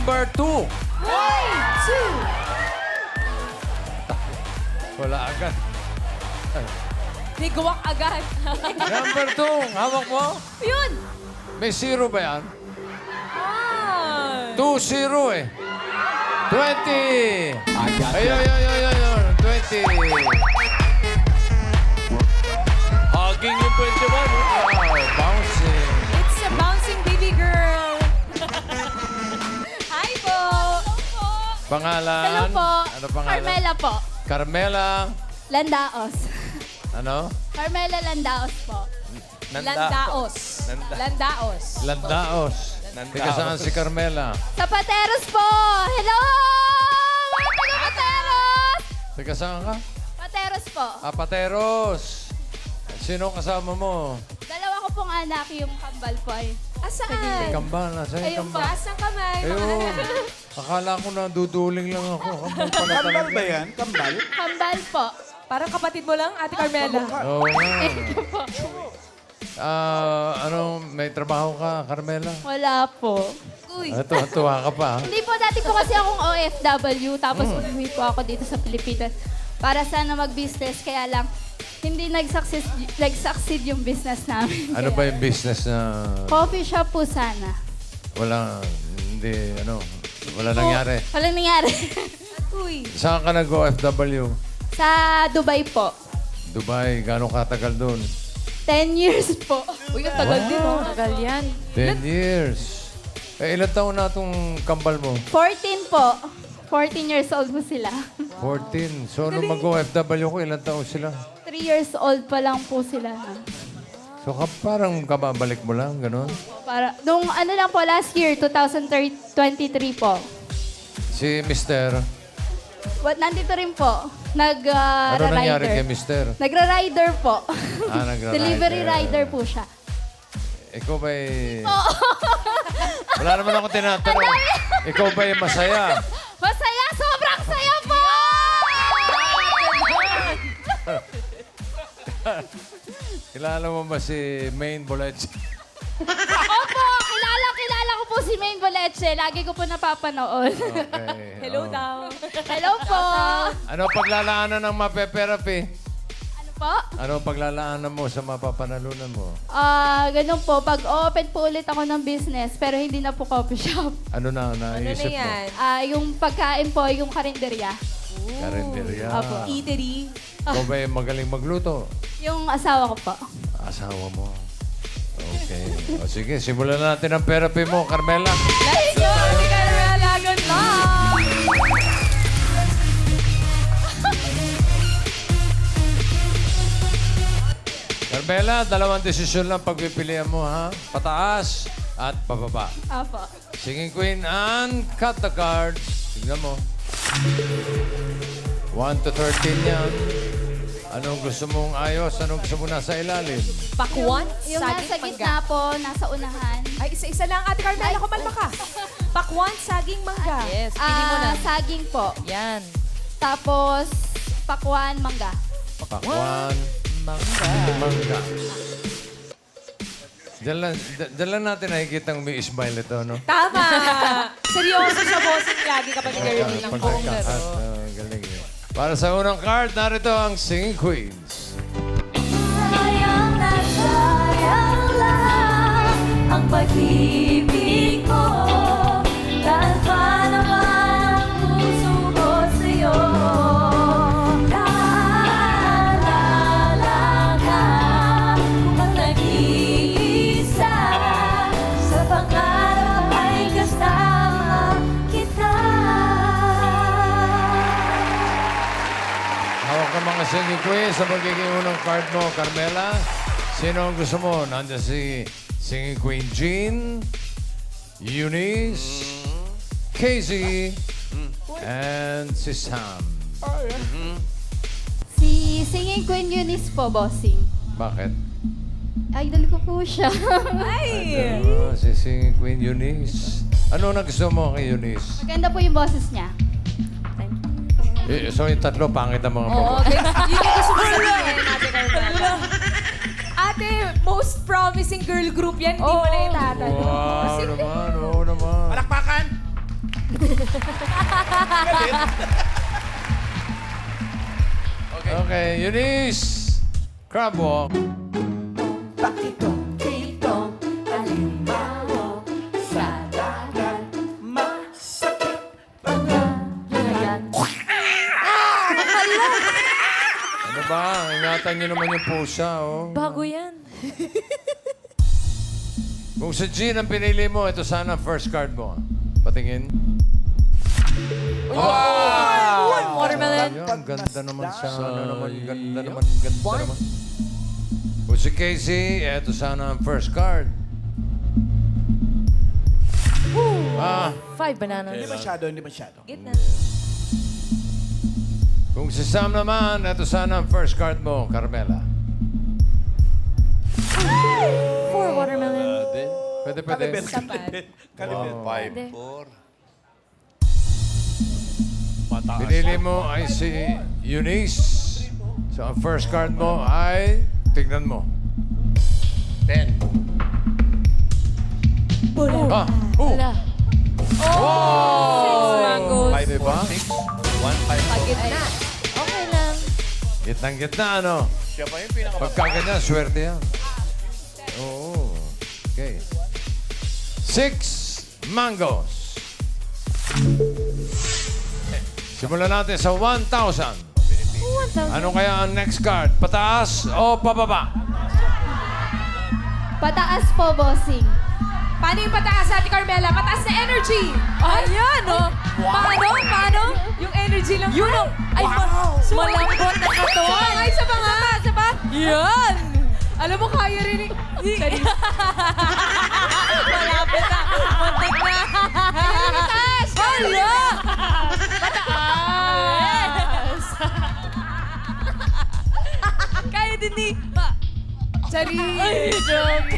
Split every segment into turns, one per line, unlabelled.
Number 2. Wala agad.
Niguwak agad.
Number 2. Hawak mo.
Yun!
May 0 ba yan?
Ah.
2-0 eh. 20. Ayun. 20.
Hugging yung 21.
Wow, bouncing.
It's a bouncing baby girl. Hi po.
Pangalan?
Hello po.
Ano pangalan?
Carmela po.
Carmela.
Landaos.
Ano?
Carmela Landaos po.
Landaos. Landaos.
Landaos. Teka saan si Carmela?
Sa Pateros po. Hello! Mga taga Pateros!
Teka saan ka?
Pateros po.
Pateros. Sino kasama mo?
Dalawa ko pong anak, yung kambal po ay.
May
Asaan?
kambal. Nasaan yung
Ayun
kambal?
Taas ng kamay.
Ayun. Akala ko na duduling lang ako. Kambal pala
Kambal
talaga.
ba yan? Kambal?
Kambal po.
Parang kapatid mo lang, Ate Carmela.
Oo nga. May trabaho ka, Carmela?
Wala po.
Uy.
Tuwa ka pa. ha?
Hindi po, dati po kasi akong OFW, tapos umuwi po ako dito sa Pilipinas para sana mag-business, kaya lang hindi nag-succeed yung business namin.
Ano ba yung business na
Coffee shop po sana.
wala nangyari?
Walang nangyari.
Uy.
Saan ka nag-OFW?
Sa Dubai po.
Dubai, gano'ng katagal doon?
10 years po.
Uy, ang tagal din, oh. Tagal yan.
10 years. Ilan taon na itong kambal mo?
14 po. 14 years old po sila.
14. So, nung mag-OFW ko, ilan taon sila?
3 years old pa lang po sila.
So, parang kababalik mo lang, gano'n?
Para, nung ano lang po, last year, 2023 po.
Si Mister,
Nandito rin po.
ano nangyari kay
Nag-rider.
Mister?
Nagra-rider po.
Nagra-rider.
Delivery rider po siya.
Ikaw ba'y... Wala naman ako tinatanong. Ikaw ba'y masaya?
Masaya! Sobrang saya po!
Kilala mo ba si Maine Boleche?
Opo! Kilala ko po si Maine Boleche. Lagi ko po napapanood.
Okay.
Hello
oh.
daw.
Hello po!
Ano paglalaanan ng mape-therapy?
Ano po?
Ano paglalaanan mo sa mapapanalunan mo?
Ganun po. Pag-open po ulit ako ng business, pero hindi na po coffee shop.
Ano na
Ano na
naisip mo?
yan?
Yung pagkain po, yung karinderya.
Karinderya.
Opo.
Eatery.
Ikaw ba'y magaling magluto?
Yung asawa ko po.
Asawa mo. Okay. O sige, simulan na natin ang therapy mo, Carmela.
Let's go, Ate Carmela. Good luck!
Carmela, dalawang desisyon lang pagpipilian mo, ha? Pataas at pababa.
Opo.
Singing Queen and cut the cards. Tignan mo. 1 to 13 yan. Anong gusto mong ayos? Anong gusto mo nasa ilalim?
Pakwan,
Yung
saging
nasa
mangga.
gitna po, nasa unahan.
Ay, isa-isa lang, Ate Carmela. Kumalma ka. Pakwan, saging, mangga. Yes,
Saging po.
Yan.
Tapos, pakwan, mangga.
Pakwan.
Mangga.
Mangga. Diyan lang natin nakikita may smile ito, no?
Tama. Seryoso siya bossing lagi kapag girly ng buong
Pagkakat.
laro.
Galing yun. Para sa unang card, narito ang Singing Queens.
Sayang na sayang lahat ang pag-ibig ko. Dahil pa naman ang puso ko sa'yo. Naalala ka kung ang nag-iisa sa pangarap ay kasama kita.
Hawak ka mga Singing Queens sa magiging unang card mo, Carmela. Sino ang gusto mo? Nandiyan si Singing Queen Jean, Eunice, Casey, and si Sam.
Si Singing Queen Eunice po, bossing.
Bakit?
Idol ko po siya.
Ay!
Si Singing Queen Eunice. Ano na gusto mo kay Eunice?
Maganda po yung boses niya.
So yung tatlo, pangit ang mga
Oo,
babae.
guys. Yun yung gusto ko sabihin, Ate Carmela. Ate, most promising girl group yan. Hindi mo na itatanong.
Wow naman, oo naman.
Palakpakan!
Okay, Eunice. Crab walk.
Pakitong, titong, alimango sa dagat. Masakit pagkalagat.
Ano ba? Ingatan niyo naman yung pusa, oh.
Bago yan.
Kung sa Jean ang pinili mo, ito sana ang first card mo. Patingin.
Watermelon.
Ang ganda naman sana naman. Ganda naman. Kung si Casey, ito sana ang first card. Ah,
5 bananas.
Hindi masyado.
Gitna.
kung si Sam naman, ito sana ang first card mo, Carmela.
4 watermelon.
Pwede.
Kalibet.
Hindi.
5-4.
Pinili mo ay si Eunice. So, ang first card mo ay, tignan mo.
10.
Ah,
Wala. Oh! 6 mangoes.
5,
Diba?
6. 1, 5, 4.
Pagitna. Okay lang.
Gitnang-gitna, ano?
Siya pa yung pinaka...
Pagka ganyan, swerte yan. Oo. Okay. 6 mangoes. Simulan natin sa 1,000.
1,000.
Ano kaya ang next card? Pataas o pababa?
Pataas po, bossing.
Paano yung pataas, Ate Carmela? Pataas na energy! Ayan, oh! Paano? Yung energy lang. Yun, oh! Ay, malambot na katawan. Ay, sa pa. Yan! Alam mo, kaya rin malapit na. Muntik na. Pataas! Hala! Pataas! Kaya din ni... Sorry. Ay, joke.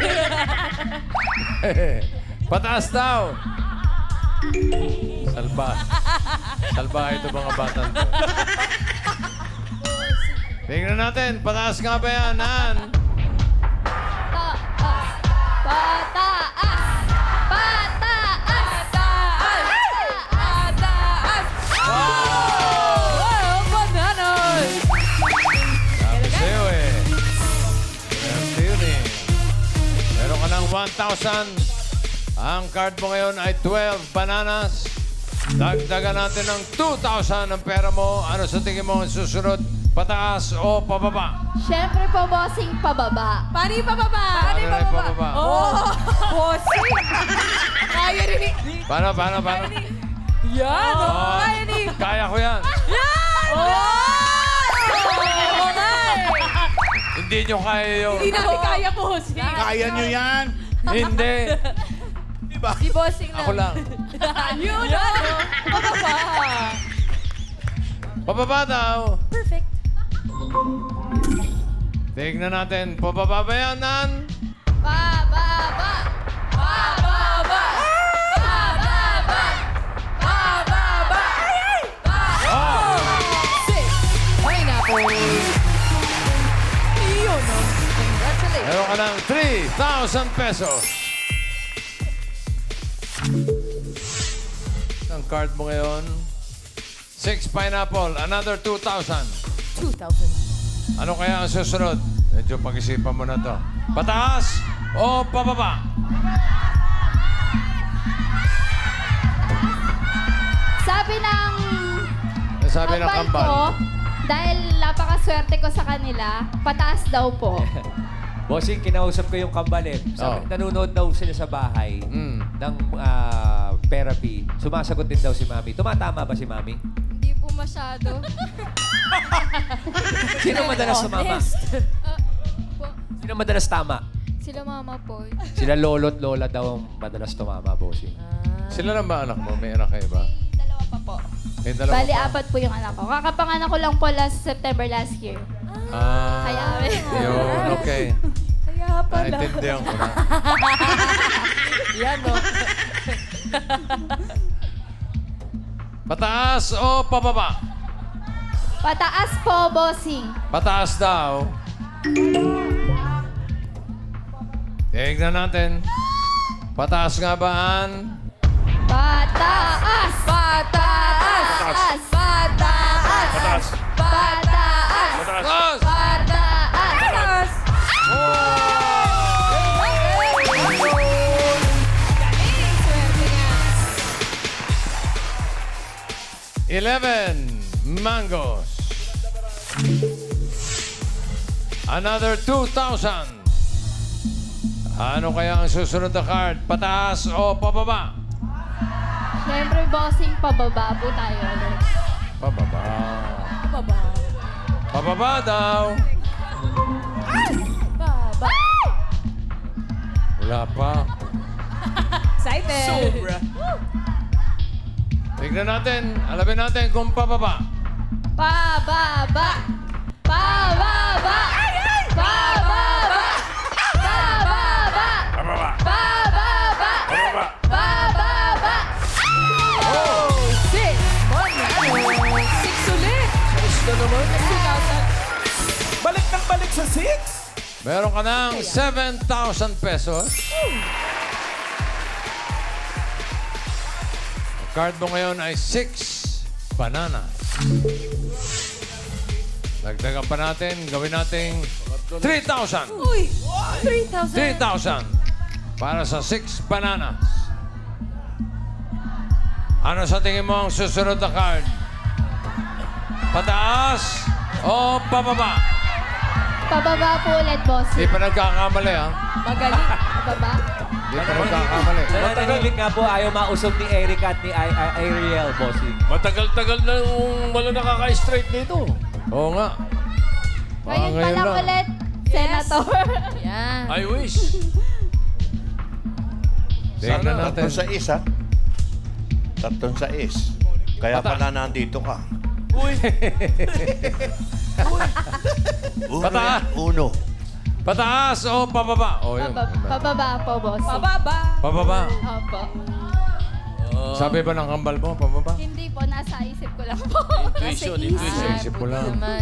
Pataas daw. Salba ito mga batang to. Tingnan natin. Pataas nga ba yan, Nan?
Pataas!
Wow! Bananas!
Sabi sa'yo eh. Swerte yun eh. Meron ka ng 1,000. Ang card mo ngayon ay 12 bananas. Dagdagan natin ng 2,000 ang pera mo. Ano sa tingin mo ang susunod? Pataas o pababa?
Siyempre po, bossing, pababa.
Paano yung pababa?
Paano na yung pababa?
Oh! Bossing! Kaya rin ni...
Paano?
Yan! Oh.
Oh,
Kaya ni...
kaya ko yan.
Yan! Oh! Oo nga eh.
Hindi nyo kaya yun.
Hindi natin kaya, bossing.
Kaya nyo yan.
Hindi.
Si bossing lang.
Ako lang.
Yun! Oh. Pababa!
Pababa daw.
Perfect.
Tignan natin. Pababa ba yan, Nan?
Pababa!
Pababa! Pababa! Pababa!
Oh!
Pineapple! Yun, oh. Congratulations.
Meron ka ng 3,000 pesos. Ang card mo ngayon, 6 pineapple, another 2,000.
2,000.
Ano kaya ang susunod? Medyo pag-isipan mo na to. Pataas o pababa? Sabi ng
kambal
kambal.
ko, dahil napakaswerte ko sa kanila, pataas daw po.
Bossing, kinausap ko yung kambal eh. Sabi,
Oh.
nanonood daw sila sa bahay ng therapy. Sumasagot din daw si Mami. Tumatama ba si Mami?
Hindi po masyado.
Sino madalas tumama? Sino madalas tama?
Sila mama po.
Sila lolo't lola daw ang madalas tumama, Bossing.
Sila lang ba anak mo? May anak kayo ba?
Dalawa pa po.
May dalawa
Bali,
pa?
4 po yung anak ko. Kakapanganak ko lang po September last year.
Ah,
Kaya,
yun, okay.
Kaya pala.
Naintindihan ko na.
Yan, no?
Pataas o pababa?
Pataas po, bossing.
Pataas daw. Tignan natin. Pataas nga ba, Ann?
Pataas!
Pataas!
11 mangoes. Another 2,000. Ano kaya ang susunod na card? Pataas o pababa?
Siyempre, bossing, pababa po tayo ulit.
Pababa.
Baba.
Pababa daw.
Baba.
Wala pa.
Excited.
Sobra.
Tignan natin. Alamin natin kung pababa.
Pababa! Pababa! Pababa! Pababa!
Pababa.
Pababa! Pababa!
Oh, 6. Manalo. 6 ulit.
Gusto naman.
2,000.
Balik ng balik sa 6.
Meron ka ng 7,000 pesos. Ang card mo ngayon ay 6 bananas. Dagdagan pa natin. Gawin nating 3,000.
Uy, 3,000.
3,000 para sa 6 bananas. Ano sa tingin mo ang susunod na card? Pataas o pababa?
Pababa po ulit, bossing.
Di pa nagkakamali, ha?
Magaling.
Pababa?
Di pa nagkakamali.
Nananahimik nga po, ayaw mausog ni Erica at ni Ariel, bossing.
Matagal-tagal na yung wala nakaka-straight dito.
Oo nga.
Ngayon pa lang ulit, Senator.
Yan.
I wish.
Tingnan natin.
Tatlong sa is, ha? Tatlong sa is. Kaya
Pata-
pala nandito ka.
Uy.
Uno,
Pata-
yan, uno.
Pataas o pababa? O, yun.
Pababa po, bossing.
Pababa.
Pababa.
Opo.
Sabi ba ng kambal mo, pababa?
Hindi po, nasa isip ko lang po.
Intuition, intuition.
Isip ko lang.
Naman.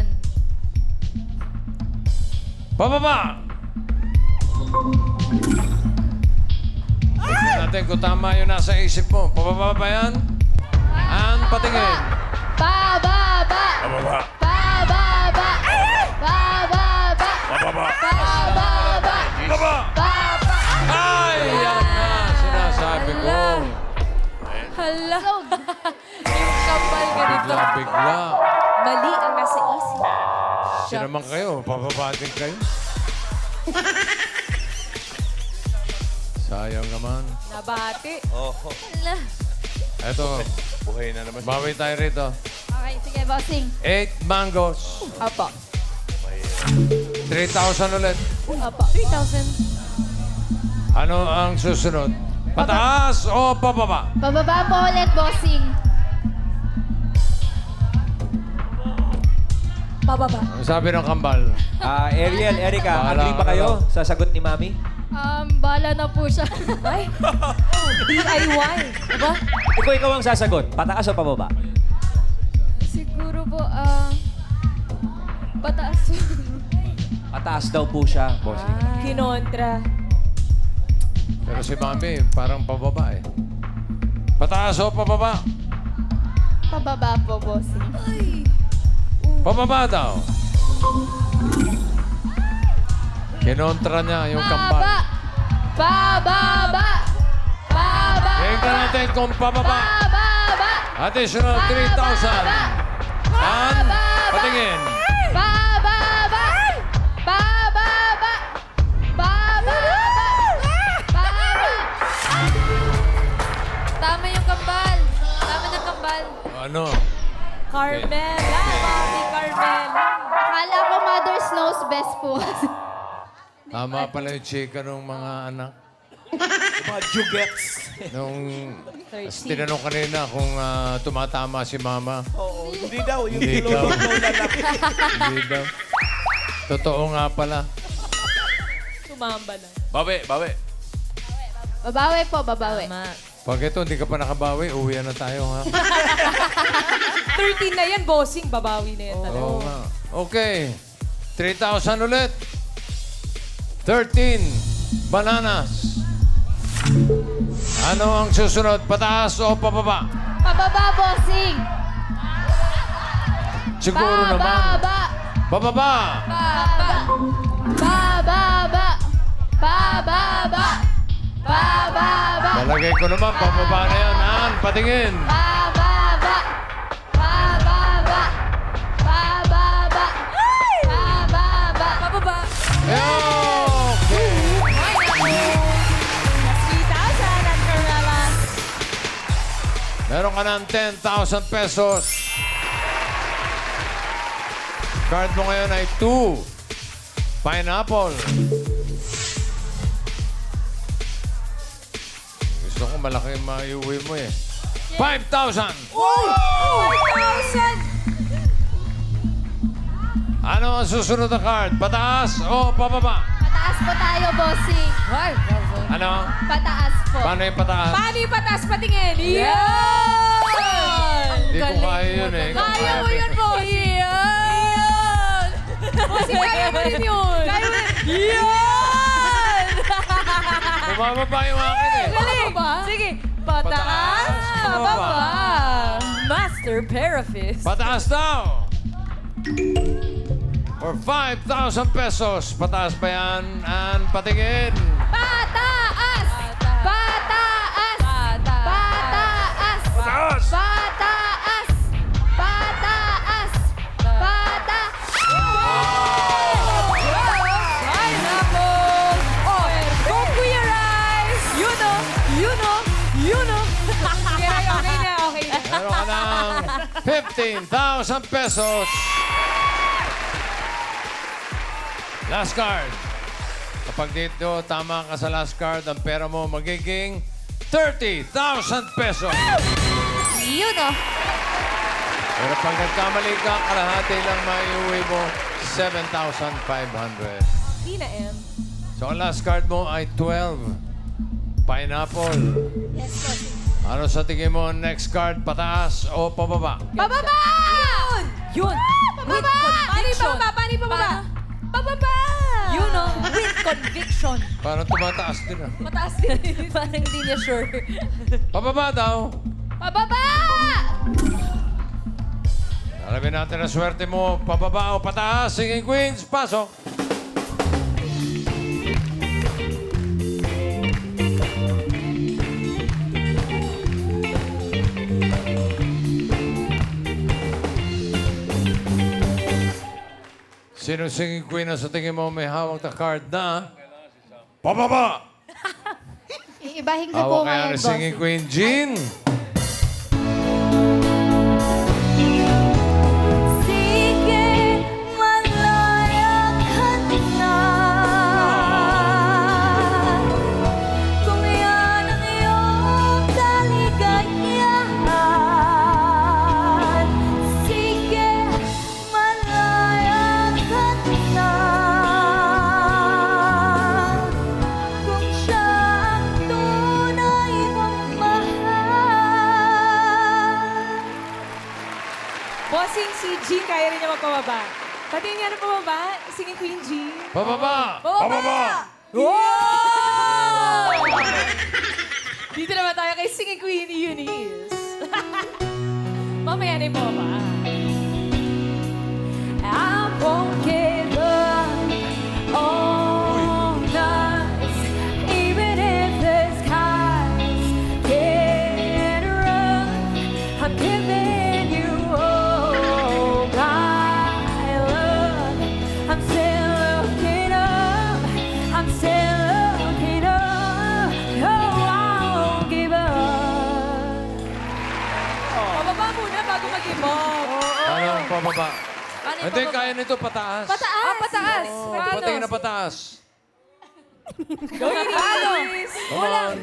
Pababa! Tignan natin kung tama yung nasa isip mo. Pababa ba yan? An, patingin.
Pababa!
Pababa.
Pababa! Pababa!
Pababa.
Pababa!
Pababa.
Pababa!
Ay, yan na. Sinasabi ko.
Hala. Yung kapal ka dito.
Bigla.
Mali ang nasa isip.
Siya naman kayo. Pababa din kayo. Sayang naman.
Nabati.
Oh,
Hala.
Eto,
buhay na naman.
bawi tayo rito.
Okay, sige, bossing.
8 mangoes.
Apa.
3,000 ulit.
Apa. 3,000.
Ano ang susunod? Pataas o pababa?
Pababa po ulit, bossing.
Pababa.
Ang sabi ng kambal.
Ariel, Erica,
Bahala
agree
ka
ba kayo
na
sa sagot ni Mami?
Bala na po siya.
Ay. DIY. Diba?
Ikaw ang sasagot. Pataas o pababa?
Siguro po, pataas.
Pataas daw po siya, bossing.
Kinontra.
Pero si Mami, parang pababa eh. Pataas o pababa?
Pababa po, bossing.
Pababa daw. Kinontra niya yung
Pababa!
kambal.
Pababa! Pababa!
Tingnan natin kung pababa.
Pababa!
Additional 3,000. An, patingin.
Pababa! Pababa! Pababa! Pababa!
Tama yung kambal. Tama ng kambal.
Ano?
Carmela. Mami Carmela.
Akala ko mother's knows best po.
Tama pala yung chika ng mga anak.
Mga jugets.
Nung tinanong kanina kung tumatama si Mama.
Oo, hindi daw. Yung
Hindi daw.
niloloko na lang.
Hindi daw. Totoo nga pala.
Tumamba lang.
Bawi, bawi.
Babawi po, babawi.
Tama.
Pag ito, hindi ka pa nakabawi, uwi na tayo, ha?
13 na yan, bossing. Babawi na yan talaga.
Oo nga. Okay. 3,000 ulit. 13 bananas. Ano ang susunod? Pataas o pababa?
Pababa, bossing!
Siguro naman.
Pababa!
Pababa!
Pababa! Pababa! Pababa!
Malagay ko naman, pababa na yan. An, patingin.
Pababa!
Meron ka ng 10,000 pesos. Card mo ngayon ay 2. Pineapple. Gusto ko malaki yung maiuwi mo eh. 5,000!
5,000!
Ano ang susunod na card? Pataas o pababa?
Pataas po tayo, bossing.
Ano?
Pataas po.
Paano yung pataas?
Paano yung pataas patingin? Yan!
Hindi ko kaya yun eh.
Kaya mo yun, boss. Yan! Boss, kaya mo rin yun. Kaya mo rin. Yan!
Bumababa yung akin eh.
Galing! Sige. Pataas, pababa. Master Parafist.
Pataas daw! For 5,000 pesos. Pataas pa yan. And patingin.
Pataas! Pataas! Pataas!
Pataas!
Pataas! Pataas! Pataas!
Pineapple! Oh, go Kuya Rice! You know! You know! You know! Okay na, okay na.
Meron ka ng 15,000 pesos. Last card. Kapag dito tama ka sa last card, ang pera mo magiging 30,000 pesos.
Yun o.
Pero pag nagkamali ka, kalahati lang maiuwi mo 7,500.
Tina M.
So ang last card mo ay 12. Pineapple.
Yes, boss.
Ano sa tingin mo next card? Pataas o pababa?
Pababa!
Yun!
Pababa!
Paano yung pababa? Paano yung pababa? Pababa! You know, with conviction.
Parang tumataas din ah.
Mataas din. Parang hindi niya sure.
Pababa daw.
Pababa!
Alamin natin ang swerte mo. Pababa o pataas. Singing Queens, pasok. Sino singing queen na sa tingin mo may hawak na card na pababa?
Iibahin ko po
Hawak kaya
ngayon,
ni
boss.
singing queen Jean.
Sige, malaya ka na. Kung yan ang iyong kaligayahan. Sige, malaya ka na. Kung siya ang tunay mong mahal.
Bossing si Jean, kaya rin niya magpababa. Pati niya na pababa, singing Queen Jean.
Pababa!
Pababa! Wow! Dito naman tayo kay singing Queen Eunice. Mamaya na yung pababa. I won't give up on us, even if the skies get rough. I'm giving you all my love. I'm still looking up. I'm still looking up. No, I won't give up. Pababa muna bago mag-give up.
Ano ang pababa?
Ano yung
Hindi,
pababa?
kaya nito pataas.
Pataas! pataas!
Patingin na pataas.
Gawin ni
Come on.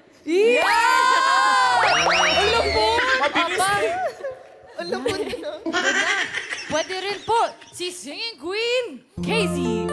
Yeah! Ang lambot!
Mabilis eh.
Pwede rin po si Singing Queen, Casey.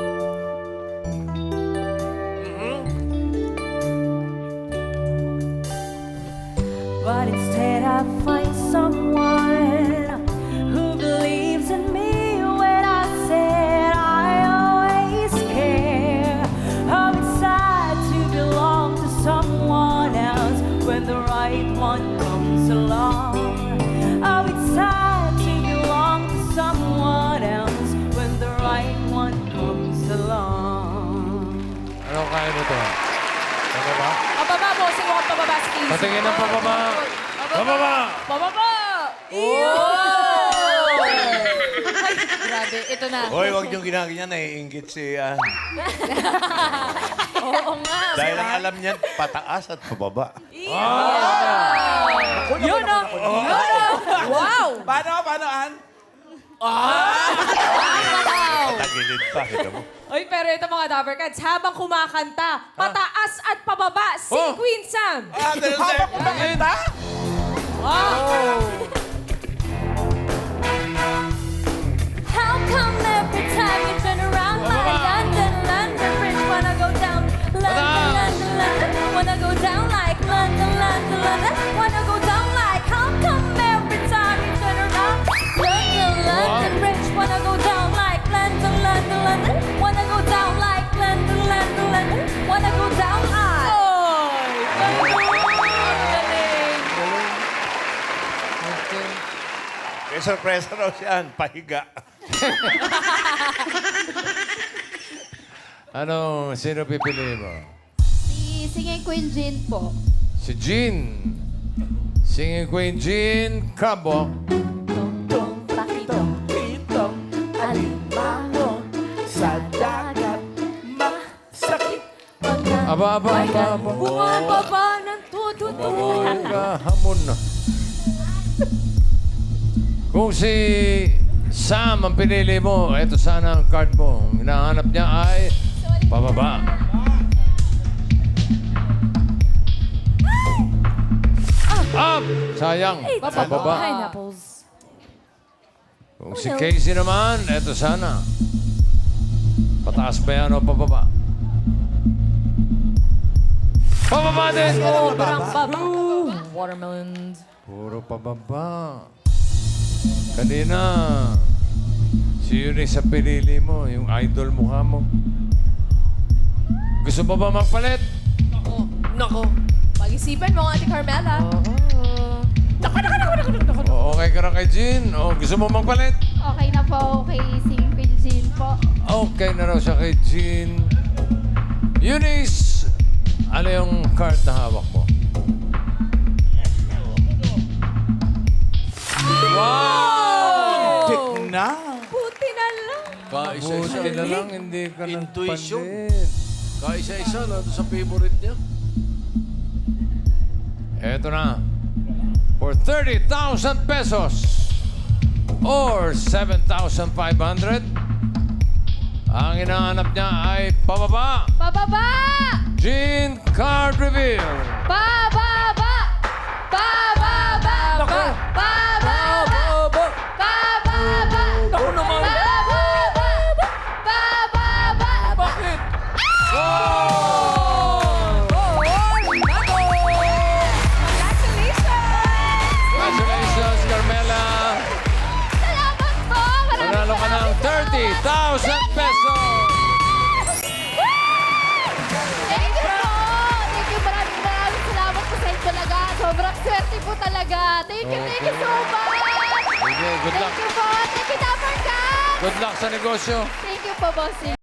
But instead I find someone who believes in me when I said I always care. How it's sad to belong to someone else when the right one comes along. How it's sad to belong to someone else when the right one comes along.
Ano kaya nito? Pababa?
Pababa, bossing mo pababa si Casey.
Patingin ng pababa. Pababa!
Pababa! Oh! Ay, grabe, ito na.
Hoy, huwag niyong ginagawa naiinggit si...
Oo nga.
dahil ang alam niyan, pataas at pababa.
Yeah. Yun o! Wow!
Paano, Ann?
Tagilid pa, kita mo.
Uy, pero ito mga Dabber Cats, habang kumakanta, pataas at pababa si
Oh.
Queen Sam.
Habang kumakanta?
How come every time you turn around like London, London Bridge wanna go down? London, London, London, wanna go down like London, London, London, wanna go down like. How come every time you turn around? London, London Bridge wanna go down like London, London, London, wanna go down like London, London, London, wanna go down like.
Oy! Galing!
May sorpresa raw si Ann, pahiga.
Ano, sino pipili mo?
Si Singing Queen Jean po.
Si Jean. Singing Queen Jean Cabo.
Tong pakitong
Pitong
alimango
sa dagat. Masakit.
Aba.
Bumababa ng tututu.
Hamon na. Kung si Sam ang pinili mo, eto sana ang card mo. Ang hinahanap niya ay pababa. Up! Sayang. Pababa.
Pineapples.
Kung si Casey naman, eto sana. Pataas ba yan o pababa? Pababa din!
Sobrang baba. Watermelons.
Puro pababa. Kanina, si Eunice sa pinili mo, yung idol mukha mo. Gusto mo ba magpalit?
Nako.
Pag-isipan mo, Ate Carmela.
O, okay ka na kay Jean? O, gusto mo magpalit?
Okay na po kay Singing Queen Jean po.
Okay na raw siya kay Jean. Eunice, ano yung card na hawak mo?
Tik na.
Puti na lang.
Kaisa-isa.
Buti na lang, hindi ka
Intuition.
nagpalit.
Kaisa-isa na sa favorite niya.
Eto na. For 30,000 pesos or 7,500, ang hinahanap niya ay pababa.
Pababa!
Jean Card Reveal.
Pababa! Pababa! Pababa! Pababa! Pababa!
Ako naman.
Pababa! Pababa!
Bakit?
Congratulations, Carmela.
Salamat po!
Panalo ka ng 30,000 pesos.
Thank you po! Thank you, maraming salamat po sa inyo talaga. Sobrang swerte po talaga. Thank you so much!
Sige, good luck.
Thank you po! Thank you, Dapper Cats!
Good luck sa negosyo.
Thank you po, bossing.